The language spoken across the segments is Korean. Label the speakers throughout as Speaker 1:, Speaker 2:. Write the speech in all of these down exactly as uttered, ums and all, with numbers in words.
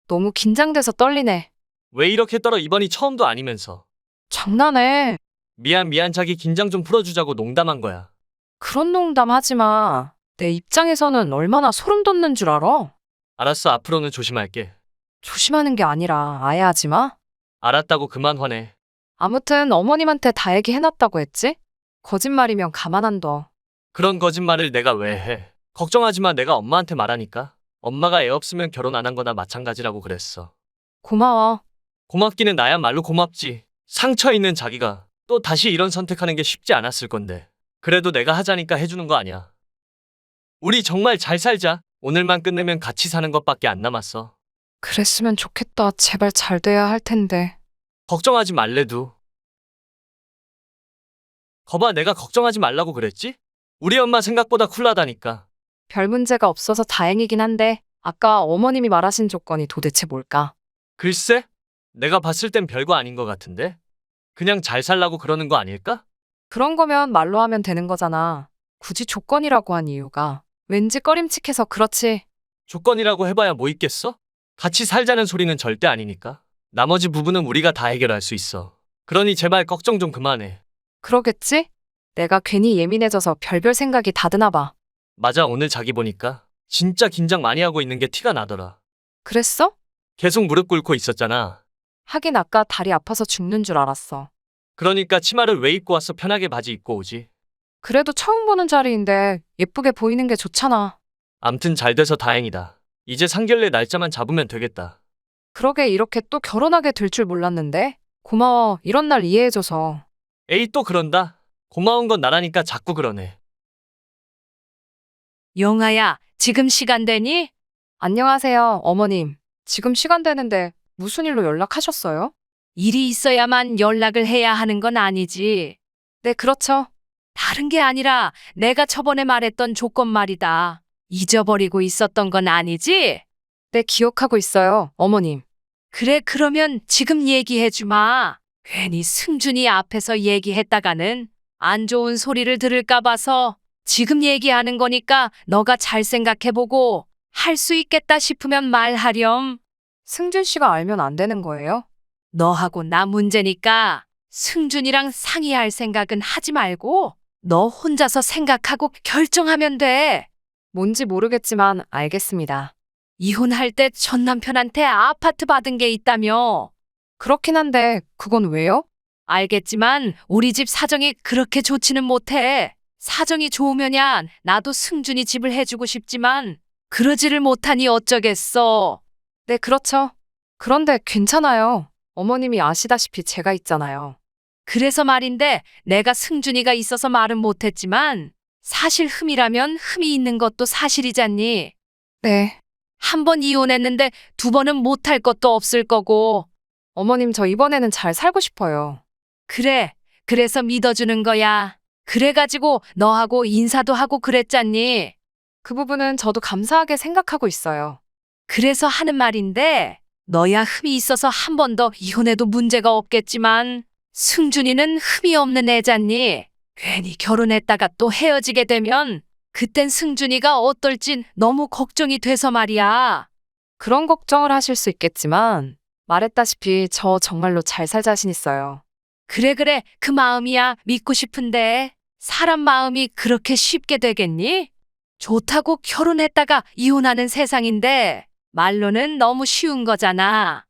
Speaker 1: 너무 긴장돼서 떨리네.
Speaker 2: 왜 이렇게 떨어? 이번이 처음도 아니면서.
Speaker 1: 장난해.
Speaker 2: 미안 미안 자기 긴장 좀 풀어주자고 농담한 거야.
Speaker 1: 그런 농담 하지 마. 내 입장에서는 얼마나 소름 돋는 줄 알아?
Speaker 2: 알았어 앞으로는 조심할게.
Speaker 1: 조심하는 게 아니라 아예 하지 마.
Speaker 2: 알았다고 그만 화내.
Speaker 1: 아무튼 어머님한테 다 얘기해놨다고 했지? 거짓말이면 가만 안 둬.
Speaker 2: 그런 거짓말을 내가 왜 해. 걱정하지 마 내가 엄마한테 말하니까. 엄마가 애 없으면 결혼 안 한 거나 마찬가지라고 그랬어.
Speaker 1: 고마워.
Speaker 2: 고맙기는 나야말로 고맙지. 상처 있는 자기가 또 다시 이런 선택하는 게 쉽지 않았을 건데. 그래도 내가 하자니까 해주는 거 아니야. 우리 정말 잘 살자. 오늘만 끝내면 같이 사는 것밖에 안 남았어.
Speaker 1: 그랬으면 좋겠다. 제발 잘 돼야 할 텐데.
Speaker 2: 걱정하지 말래도. 거봐 내가 걱정하지 말라고 그랬지? 우리 엄마 생각보다 쿨하다니까.
Speaker 1: 별 문제가 없어서 다행이긴 한데 아까 어머님이 말하신 조건이 도대체 뭘까?
Speaker 2: 글쎄? 내가 봤을 땐 별거 아닌 것 같은데? 그냥 잘 살라고 그러는 거 아닐까?
Speaker 1: 그런 거면 말로 하면 되는 거잖아. 굳이 조건이라고 한 이유가 왠지 꺼림칙해서 그렇지.
Speaker 2: 조건이라고 해봐야 뭐 있겠어? 같이 살자는 소리는 절대 아니니까. 나머지 부분은 우리가 다 해결할 수 있어. 그러니 제발 걱정 좀 그만해.
Speaker 1: 그러겠지? 내가 괜히 예민해져서 별별 생각이 다 드나 봐.
Speaker 2: 맞아 오늘 자기 보니까 진짜 긴장 많이 하고 있는 게 티가 나더라.
Speaker 1: 그랬어?
Speaker 2: 계속 무릎 꿇고 있었잖아.
Speaker 1: 하긴 아까 다리 아파서 죽는 줄 알았어.
Speaker 2: 그러니까 치마를 왜 입고 왔어? 편하게 바지 입고 오지.
Speaker 1: 그래도 처음 보는 자리인데 예쁘게 보이는 게 좋잖아.
Speaker 2: 암튼 잘 돼서 다행이다. 이제 상견례 날짜만 잡으면 되겠다.
Speaker 1: 그러게 이렇게 또 결혼하게 될 줄 몰랐는데. 고마워. 이런 날 이해해줘서.
Speaker 2: 에이 또 그런다. 고마운 건 나라니까 자꾸 그러네.
Speaker 3: 영아야, 지금 시간 되니?
Speaker 1: 안녕하세요, 어머님. 지금 시간 되는데 무슨 일로 연락하셨어요?
Speaker 3: 일이 있어야만 연락을 해야 하는 건 아니지.
Speaker 1: 네, 그렇죠.
Speaker 3: 다른 게 아니라 내가 저번에 말했던 조건 말이다. 잊어버리고 있었던 건 아니지?
Speaker 1: 네, 기억하고 있어요, 어머님.
Speaker 3: 그래, 그러면 지금 얘기해 주마. 괜히 승준이 앞에서 얘기했다가는 안 좋은 소리를 들을까 봐서 지금 얘기하는 거니까 너가 잘 생각해보고 할 수 있겠다 싶으면 말하렴.
Speaker 1: 승준 씨가 알면 안 되는 거예요?
Speaker 3: 너하고 나 문제니까 승준이랑 상의할 생각은 하지 말고 너 혼자서 생각하고 결정하면 돼.
Speaker 1: 뭔지 모르겠지만 알겠습니다.
Speaker 3: 이혼할 때 전 남편한테 아파트 받은 게 있다며.
Speaker 1: 그렇긴 한데 그건 왜요?
Speaker 3: 알겠지만 우리 집 사정이 그렇게 좋지는 못해. 사정이 좋으면야 나도 승준이 집을 해주고 싶지만 그러지를 못하니 어쩌겠어.
Speaker 1: 네, 그렇죠. 그런데 괜찮아요. 어머님이 아시다시피 제가 있잖아요.
Speaker 3: 그래서 말인데 내가 승준이가 있어서 말은 못했지만 사실 흠이라면 흠이 있는 것도 사실이잖니.
Speaker 1: 네.
Speaker 3: 한 번 이혼했는데 두 번은 못할 것도 없을 거고.
Speaker 1: 어머님, 저 이번에는 잘 살고 싶어요.
Speaker 3: 그래, 그래서 믿어주는 거야. 그래가지고 너하고 인사도 하고 그랬잖니.
Speaker 1: 그 부분은 저도 감사하게 생각하고 있어요.
Speaker 3: 그래서 하는 말인데 너야 흠이 있어서 한 번 더 이혼해도 문제가 없겠지만 승준이는 흠이 없는 애잖니. 괜히 결혼했다가 또 헤어지게 되면 그땐 승준이가 어떨진 너무 걱정이 돼서 말이야.
Speaker 1: 그런 걱정을 하실 수 있겠지만 말했다시피 저 정말로 잘 살 자신 있어요.
Speaker 3: 그래 그래 그 마음이야 믿고 싶은데 사람 마음이 그렇게 쉽게 되겠니? 좋다고 결혼했다가 이혼하는 세상인데 말로는 너무 쉬운 거잖아.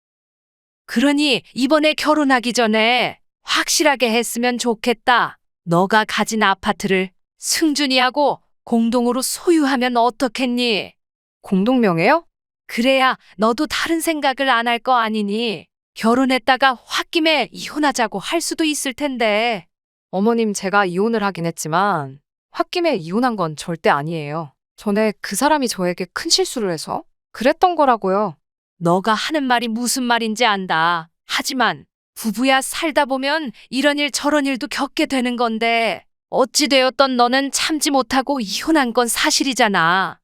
Speaker 3: 그러니 이번에 결혼하기 전에 확실하게 했으면 좋겠다. 너가 가진 아파트를 승준이하고 공동으로 소유하면 어떻겠니?
Speaker 1: 공동명예요?
Speaker 3: 그래야 너도 다른 생각을 안 할 거 아니니. 결혼했다가 홧김에 이혼하자고 할 수도 있을 텐데.
Speaker 1: 어머님, 제가 이혼을 하긴 했지만 홧김에 이혼한 건 절대 아니에요. 전에 그 사람이 저에게 큰 실수를 해서 그랬던 거라고요.
Speaker 3: 너가 하는 말이 무슨 말인지 안다. 하지만 부부야 살다 보면 이런 일 저런 일도 겪게 되는 건데 어찌되었던 너는 참지 못하고 이혼한 건 사실이잖아.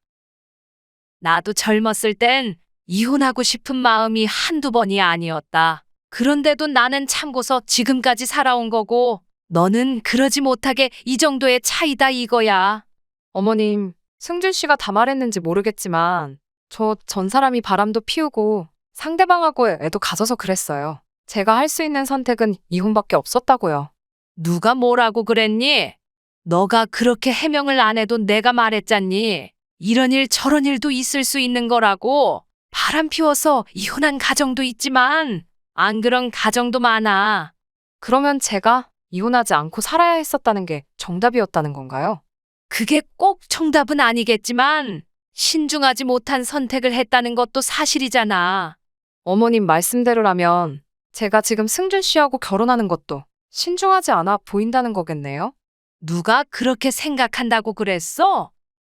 Speaker 3: 나도 젊었을 땐 이혼하고 싶은 마음이 한두 번이 아니었다. 그런데도 나는 참고서 지금까지 살아온 거고 너는 그러지 못하게 이 정도의 차이다 이거야.
Speaker 1: 어머님, 승준 씨가 다 말했는지 모르겠지만 저 전 사람이 바람도 피우고 상대방하고 애도 가져서 그랬어요. 제가 할 수 있는 선택은 이혼밖에 없었다고요.
Speaker 3: 누가 뭐라고 그랬니? 너가 그렇게 해명을 안 해도 내가 말했잖니. 이런 일 저런 일도 있을 수 있는 거라고. 바람 피워서 이혼한 가정도 있지만 안 그런 가정도 많아.
Speaker 1: 그러면 제가 이혼하지 않고 살아야 했었다는 게 정답이었다는 건가요?
Speaker 3: 그게 꼭 정답은 아니겠지만 신중하지 못한 선택을 했다는 것도 사실이잖아.
Speaker 1: 어머님 말씀대로라면 제가 지금 승준 씨하고 결혼하는 것도 신중하지 않아 보인다는 거겠네요?
Speaker 3: 누가 그렇게 생각한다고 그랬어?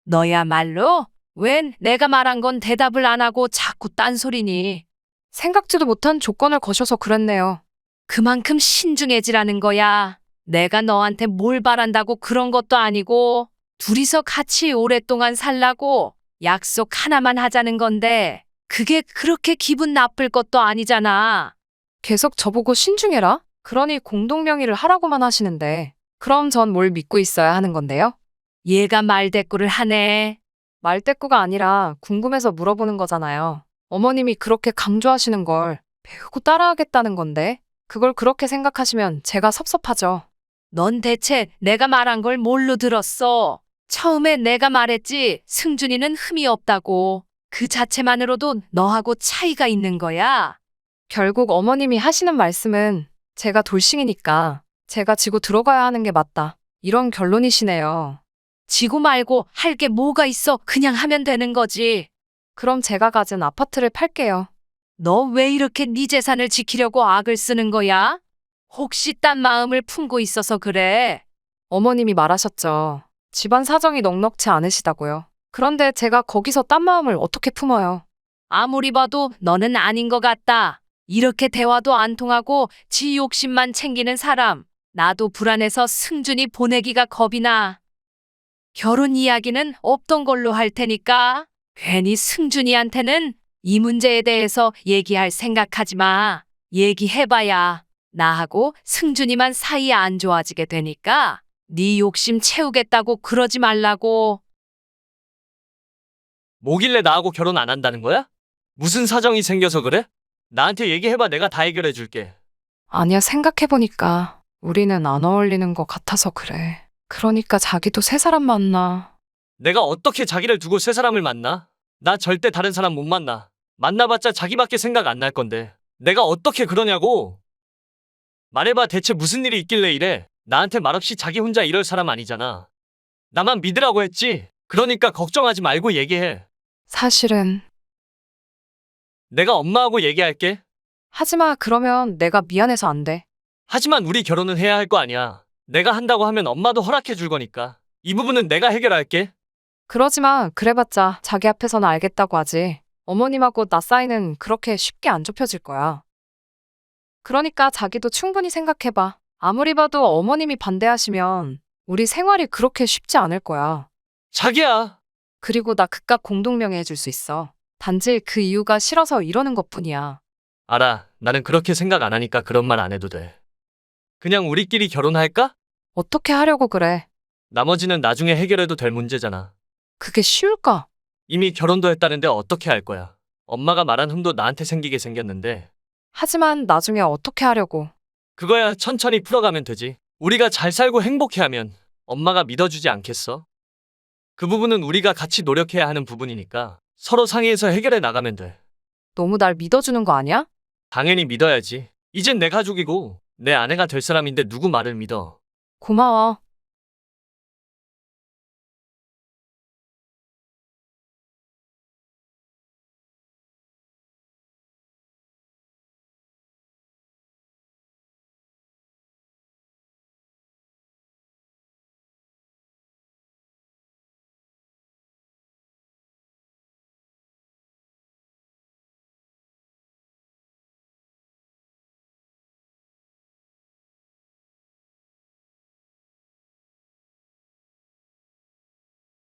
Speaker 3: 너야말로 웬 내가 말한 건 대답을 안 하고 자꾸 딴소리니.
Speaker 1: 생각지도 못한 조건을 거셔서 그랬네요.
Speaker 3: 그만큼 신중해지라는 거야. 내가 너한테 뭘 바란다고 그런 것도 아니고 둘이서 같이 오랫동안 살라고 약속 하나만 하자는 건데 그게 그렇게 기분 나쁠 것도 아니잖아.
Speaker 1: 계속 저보고 신중해라? 그러니 공동명의를 하라고만 하시는데 그럼 전 뭘 믿고 있어야 하는 건데요?
Speaker 3: 얘가 말대꾸를 하네.
Speaker 1: 말대꾸가 아니라 궁금해서 물어보는 거잖아요. 어머님이 그렇게 강조하시는 걸 배우고 따라하겠다는 건데 그걸 그렇게 생각하시면 제가 섭섭하죠.
Speaker 3: 넌 대체 내가 말한 걸 뭘로 들었어? 처음에 내가 말했지 승준이는 흠이 없다고. 그 자체만으로도 너하고 차이가 있는 거야.
Speaker 1: 결국 어머님이 하시는 말씀은 제가 돌싱이니까 제가 지고 들어가야 하는 게 맞다. 이런 결론이시네요.
Speaker 3: 지고 말고 할 게 뭐가 있어. 그냥 하면 되는 거지.
Speaker 1: 그럼 제가 가진 아파트를 팔게요.
Speaker 3: 너 왜 이렇게 네 재산을 지키려고 악을 쓰는 거야? 혹시 딴 마음을 품고 있어서 그래?
Speaker 1: 어머님이 말하셨죠. 집안 사정이 넉넉치 않으시다고요. 그런데 제가 거기서 딴 마음을 어떻게 품어요?
Speaker 3: 아무리 봐도 너는 아닌 것 같다. 이렇게 대화도 안 통하고 지 욕심만 챙기는 사람. 나도 불안해서 승준이 보내기가 겁이 나. 결혼 이야기는 없던 걸로 할 테니까 괜히 승준이한테는 이 문제에 대해서 얘기할 생각하지 마. 얘기해봐야 나하고 승준이만 사이 안 좋아지게 되니까 네 욕심 채우겠다고 그러지 말라고.
Speaker 2: 뭐길래 나하고 결혼 안 한다는 거야? 무슨 사정이 생겨서 그래? 나한테 얘기해봐. 내가 다 해결해 줄게.
Speaker 1: 아니야, 생각해보니까 우리는 안 어울리는 것 같아서 그래. 그러니까 자기도 새 사람 만나.
Speaker 2: 내가 어떻게 자기를 두고 새 사람을 만나? 나 절대 다른 사람 못 만나. 만나봤자 자기밖에 생각 안 날 건데. 내가 어떻게 그러냐고. 말해봐. 대체 무슨 일이 있길래 이래? 나한테 말없이 자기 혼자 이럴 사람 아니잖아. 나만 믿으라고 했지. 그러니까 걱정하지 말고 얘기해.
Speaker 1: 사실은
Speaker 2: 내가 엄마하고 얘기할게.
Speaker 1: 하지마. 그러면 내가 미안해서 안 돼.
Speaker 2: 하지만 우리 결혼은 해야 할 거 아니야. 내가 한다고 하면 엄마도 허락해 줄 거니까. 이 부분은 내가 해결할게.
Speaker 1: 그러지마. 그래봤자 자기 앞에서는 알겠다고 하지. 어머님하고 나 사이는 그렇게 쉽게 안 좁혀질 거야. 그러니까 자기도 충분히 생각해봐. 아무리 봐도 어머님이 반대하시면 우리 생활이 그렇게 쉽지 않을 거야.
Speaker 2: 자기야.
Speaker 1: 그리고 나 그깟 공동명의 해줄 수 있어. 단지 그 이유가 싫어서 이러는 것뿐이야.
Speaker 2: 알아. 나는 그렇게 생각 안 하니까 그런 말 안 해도 돼. 그냥 우리끼리 결혼할까?
Speaker 1: 어떻게 하려고 그래?
Speaker 2: 나머지는 나중에 해결해도 될 문제잖아.
Speaker 1: 그게 쉬울까?
Speaker 2: 이미 결혼도 했다는데 어떻게 할 거야? 엄마가 말한 흠도 나한테 생기게 생겼는데.
Speaker 1: 하지만 나중에 어떻게 하려고?
Speaker 2: 그거야 천천히 풀어가면 되지. 우리가 잘 살고 행복해하면 엄마가 믿어주지 않겠어? 그 부분은 우리가 같이 노력해야 하는 부분이니까 서로 상의해서 해결해 나가면 돼.
Speaker 1: 너무 날 믿어주는 거 아니야?
Speaker 2: 당연히 믿어야지. 이젠 내 가족이고 내 아내가 될 사람인데 누구 말을 믿어.
Speaker 1: 고마워.